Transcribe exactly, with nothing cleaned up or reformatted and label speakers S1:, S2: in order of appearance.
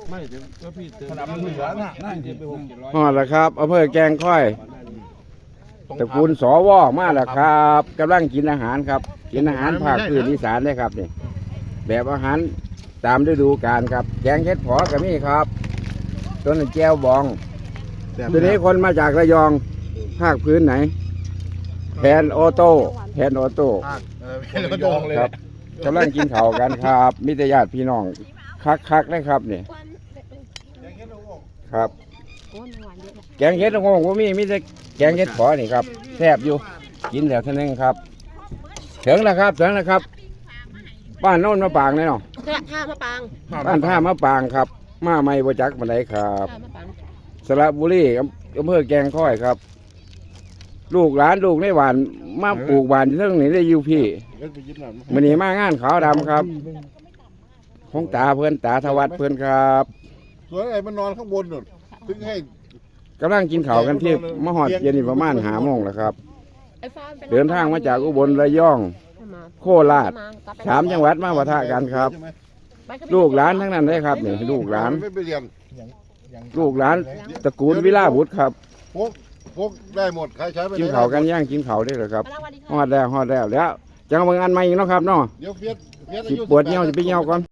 S1: ไม่เดี๋ยวก็พี่เติมน้ำเหลือน่ะนั่นที่ไปหกเจ็ดร้อย
S2: ฮอดแล้วครับอำเภอแกงค่อยตระกูลสวมาแล้วครับกำลังกินอาหารครับกินอาหารภาคพื้นอีสานได้ครับนี่แบบอาหารตามฤดูกาลครับแกงเห็ดผอก็มีครับต้นแก้วบองตัวนี้คนมาจากระยองภาคพื้นไหนแผนออโต้แผนออโต้
S1: เออเป็นระยองเลย
S2: ครับกำลังกินข้าวกันครับมิตรญาติพี่น้องคักๆเลยครับนี่ครับ แกงเห็ดละโงงก็มีมีแต่แกงเห็ดผอนี่ครับแซ่บอยู่กินแล้วเท่านั้นครับถึงแล้วครับถึงแล้วครับบ้านโน่นมะปางเลยเนาะ
S3: ท่ามะปาง
S2: บ้านท่ามะปางครับมาไม่บ่จักมาไหนครับ
S3: ท่ามะปาง
S2: สระบุรีอำเภอแกงค่อยครับ ลูกหลานลูกในหวานมาปลูกหวานเรื่องนี้ได้อยู่พี่มันนี้มางานขาวดำครับของตาเพื่อนตาทวัดเพื่อนครับ
S1: ส่วนไอ้มันนอนข้างบนนู่นถึงให้
S2: กำลังกินข้าวกันที่มหอดเย็นนี่ประมาณหาโมงแล้วครับ
S3: ไอ้ฟ้าป็น
S2: เดินทางมาจากอุบลระยอง โคราชสามจังหวัดมาปะทะกันครับ ลูกหลานทั้งนั้นเลยครับนี่ลูกหลาน
S1: ไม่ไปเรียน
S2: ลูกหลานตระกูลวิลาบุตรครับ
S1: พวกพวกได้หมดใครใช้ไป
S2: กินข้าวกันย่างกินข้าวได้เลยครับ
S3: มาแล้วสวัสดี
S2: ฮอ
S3: ค่ะ
S2: ดแล้วฮอดแล้วแล้วจังเมืองอันใหม่อีกเนาะครับเนาะ
S1: เดี๋ยวเฟียสเฟียสอา
S2: สิ
S1: ยุ
S2: ปวดเหี่ยวสิไปเหี่ยวก่อน